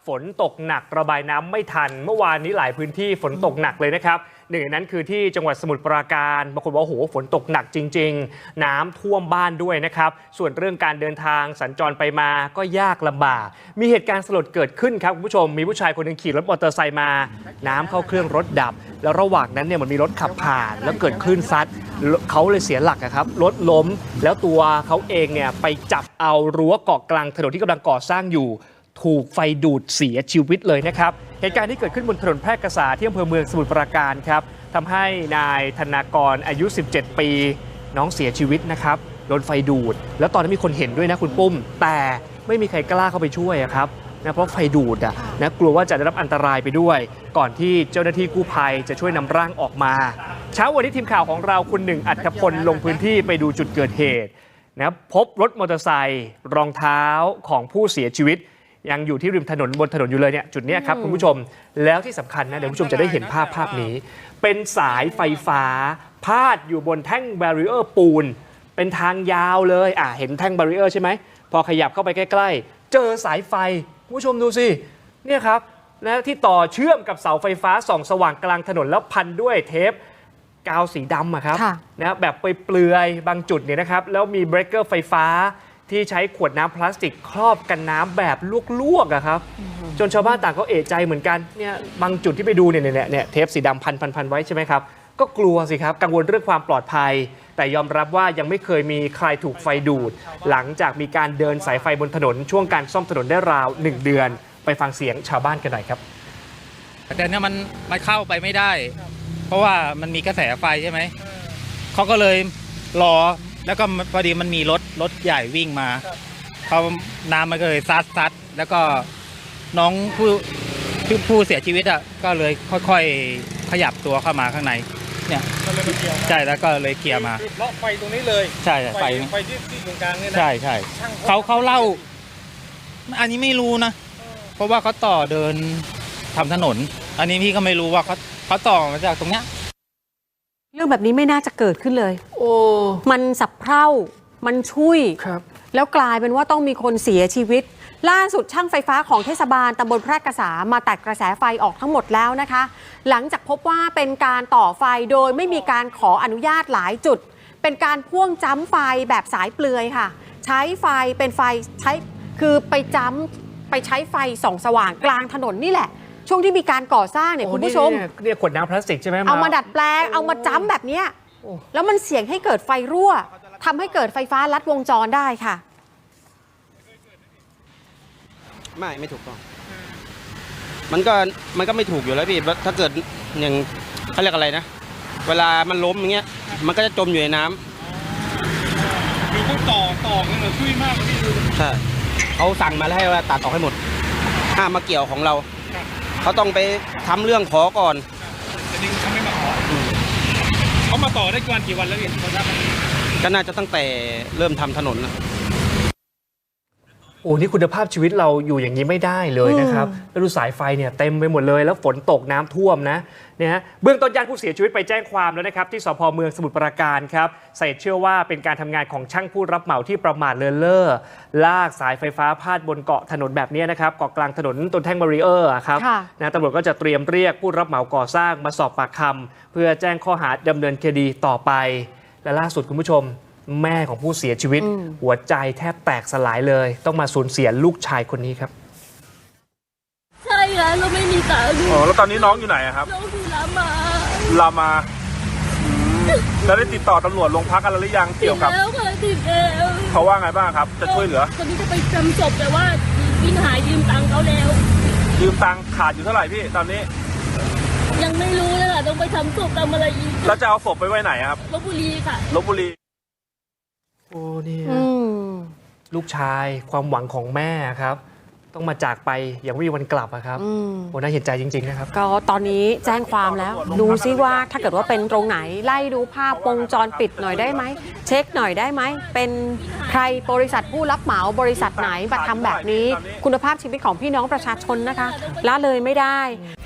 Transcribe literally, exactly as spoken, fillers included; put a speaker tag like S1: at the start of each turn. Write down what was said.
S1: ฝนตกหนักระบายน้ำไม่ทันเมื่อวานนี้หลายพื้นที่ฝนตกหนักเลยนะครับหนึ่งในนั้นคือที่จังหวัดสมุทรปราการบางคนบอกว่าโอ้โหฝนตกหนักจริงๆน้ำท่วมบ้านด้วยนะครับส่วนเรื่องการเดินทางสัญจรไปมาก็ยากลำบากมีเหตุการณ์สลดเกิดขึ้นครับคุณผู้ชมมีผู้ชายคนหนึ่งขี่รถมอเตอร์ไซค์มาน้ำเข้าเครื่องรถดับแล้วระหว่างนั้นเนี่ยมันมีรถขับผ่านแล้วเกิดคลื่นซัดเขาเลยเสียหลักครับรถล้มแล้วตัวเขาเองเนี่ยไปจับเอารั้วเกาะกลางถนนที่กำลังก่อสร้างอยู่ถูกไฟดูดเสียชีวิตเลยนะครับเหตุการณ์ที่เกิดขึ้นบนถนนแพร่กษาที่อำเภอเมืองสมุทรปราการครับทำให้นายธนากรอายุสิบเจ็ดปีน้องเสียชีวิตนะครับโดนไฟดูดแล้วตอนนั้นมีคนเห็นด้วยนะคุณปุ้มแต่ไม่มีใครกล้าเข้าไปช่วยครับนะเพราะไฟดูดอ่ะนะกลัวว่าจะได้รับอันตรายไปด้วยก่อนที่เจ้าหน้าที่กู้ภัยจะช่วยนำร่างออกมาเช้าวันนี้ทีมข่าวของเราคุณหนึ่งอัธพลลงพื้นที่ไปดูจุดเกิดเหตุนะพบรถมอเตอร์ไซค์รองเท้าของผู้เสียชีวิตยังอยู่ที่ริมถนนบนถนนอยู่เลยเนี่ยจุดนี้ครับคุณผู้ชมแล้วที่สำคัญนะเดี๋ยวคุณผู้ชมจะได้เห็นภาพภาพนี้เป็นสายไฟฟ้าพาดอยู่บนแท่งแบรีเออร์ปูนเป็นทางยาวเลยอ่ะเห็นแท่งแบรีเออร์ใช่ไหมพอขยับเข้าไปใกล้ๆเจอสายไฟคุณผู้ชมดูสิเนี่ยครับนะที่ต่อเชื่อมกับเสาไฟฟ้าส่องสว่างกลางถนนแล้วพันด้วยเทปกาวสีดำอะครับนะแบบเปลือยๆบางจุดเนี่ยนะครับแล้วมีเบรกเกอร์ไฟฟ้าที่ใช้ขวดน้ำพลาสติกครอบกันน้ำแบบลวกๆอะครับจนชาวบ้านต่างก็เอะใจเหมือนกันเนี่ยบางจุดที่ไปดูเนี่ยเนี่ยเนี่ยเทปสีดำพันพันพันไว้ใช่ไหมครับก็กลัวสิครับกังวลเรื่องความปลอดภัยแต่ยอมรับว่ายังไม่เคยมีใครถูกไฟดูดหลังจากมีการเดินสายไฟบนถนนช่วงการซ่อมถนนได้ราวหนึ่งเดือนไปฟังเสียงชาวบ้านกันหน่อยครับ
S2: แต่เนี่ยมันมันเข้าไปไม่ได้เพราะว่ามันมีกระแสไฟใช่ไหมเขาก็เลยรอแล้วก็พอดีมันมีรถรถใหญ่วิ่งมาเขาน้ำมันก็เลยซัดซัดแล้วก็น้องผู้ผู้เสียชีวิตอ่ะก็เลยค่อยๆขยับตัวเข้ามาข้างในเนี่ยใช่แล้วก็เลยเคลียร์มา
S3: เลาะไฟตรงนี้เลย
S2: ใช่ไฟ
S3: ไฟที่ที่ตรงกลางเนี่ยนะ
S2: ใช่ใช่เขาเขาเล่าอันนี้ไม่รู้นะเพราะว่าเขาต่อเดินทำถนนอันนี้พี่ก็ไม่รู้ว่าเขาเขาต่อมาจากตรงเนี้ย
S4: เรื่องแบบนี้ไม่น่าจะเกิดขึ้นเลย
S1: โอ้
S4: มันสับเพร่ามันชุย
S1: ครับ
S4: แล้วกลายเป็นว่าต้องมีคนเสียชีวิตล่าสุดช่างไฟฟ้าของเทศบาลตำบลแพร่กษามาตัดกระแสไฟออกทั้งหมดแล้วนะคะหลังจากพบว่าเป็นการต่อไฟโดยไม่มีการขออนุญาตหลายจุดเป็นการพ่วงจ้ำไฟแบบสายเปลือยค่ะใช้ไฟเป็นไฟใช้คือไปจ้ำไปใช้ไฟส่องสว่างกลางถนนนี่แหละช่วงที่มีการก่อสร้างเนี่ยคุณผู้ชม
S1: เรียกขวดน้ำพลาสติกใช่ไหม
S4: เอามาดัดแปลงเอามาจ้ำแบบนี้แล้วมันเสี่ยงให้เกิดไฟรั่วทำให้เกิดไฟฟ้าลัดวงจรได้ค่ะ
S5: ไม่ไม่ถูกต้องมันก็มันก็ไม่ถูกอยู่แล้วพี่ถ้าเกิดอย่างเขาเรียกอะไรนะเวลามันล้มอย่างเงี้ยมันก็จะจมอยู่ในน้
S3: ำคือเขาต่อต่อกันเลยช่วยมากเลยพี่ดู
S5: ใช่เขาสั่งมาแล้วให้ว่าตัดออกให้หมดห้ามมาเกี่ยวของเราเขาต้องไปทำเรื่องขอก่อน
S3: แต่ดิเขาไม่มาขอเขามาต่อได้กี่วันกี่วันแล้วพี่
S5: ก็น่าจะตั้งแต่เริ่มทำถนนนะ
S1: โอ้นี่คุณภาพชีวิตเราอยู่อย่างนี้ไม่ได้เลยนะครับแล้วดูสายไฟเนี่ยเต็มไปหมดเลยแล้วฝนตกน้ำท่วมนะเนี่ยฮะเบื้องต้นญาติผู้เสียชีวิตไปแจ้งความแล้วนะครับที่สภ.เมืองสมุทรปราการครับสาเหตุเชื่อว่าเป็นการทำงานของช่างผู้รับเหมาที่ประมาทเลินเล่อลากสายไฟฟ้าพาดบนเกาะถนนแบบนี้นะครับเกาะกลางถนนต้นแท่งบารีเออร์ครับนะตำรวจก็จะเตรียมเรียกผู้รับเหมาก่อสร้างมาสอบปากคำเพื่อแจ้งข้อหาดำเนินคดีต่อไปและล่าสุดคุณผู้ชมแม่ของผู้เสียชีวิตหัวใจแทบแตกสลายเลยต้องมาสูญเสียลูกชายคนนี้ครับ
S6: ใช่แล้วเราไม่มีตังค์
S3: อ๋อแล้วตอนนี้น้องอยู่ไหนครับ
S6: น้องอยู่รามา
S3: รามาแล้วได้ติดต่อตำรวจโรงพักกันหรือยังเกี่ยวกับ
S6: แล้วค่ะติดแล้ว
S3: เขาว่าไงบ้างครับจะช่วยเหลือ
S6: ตอนนี้จะไปจำศพแต่ว่าวินหายยืมตังค์เขาแล้ว
S3: ยืมตังค์ขาดอยู่เท่าไหร่พี่ตอนนี้
S6: ยังไม่รู้เลยค่ะต้องไปทำศพทำอะไรอีก
S3: แล้วจะเอาศพไปไว้ไหนครับ
S6: ลพบุรีค่ะ
S3: ลพบุรี
S1: โอ้นี่ลูกชายความหวังของแม่ครับต้องมาจากไปอย่างไม่มีวันกลับครับโอ้น่าเห็นใจจริงๆนะครับ
S4: ก็ตอนนี้แจ้งความแล้วดูซิว่าถ้าเกิดว่าเป็นตรงไหนไล่ดูภาพวงจรปิดหน่อยได้ไหมเช็คหน่อยได้ไหมเป็นใครบริษัทผู้รับเหมาบริษัทไหนมาทำแบบนี้คุณภาพชีวิตของพี่น้องประชาชนนะคะละเลยไม่ได้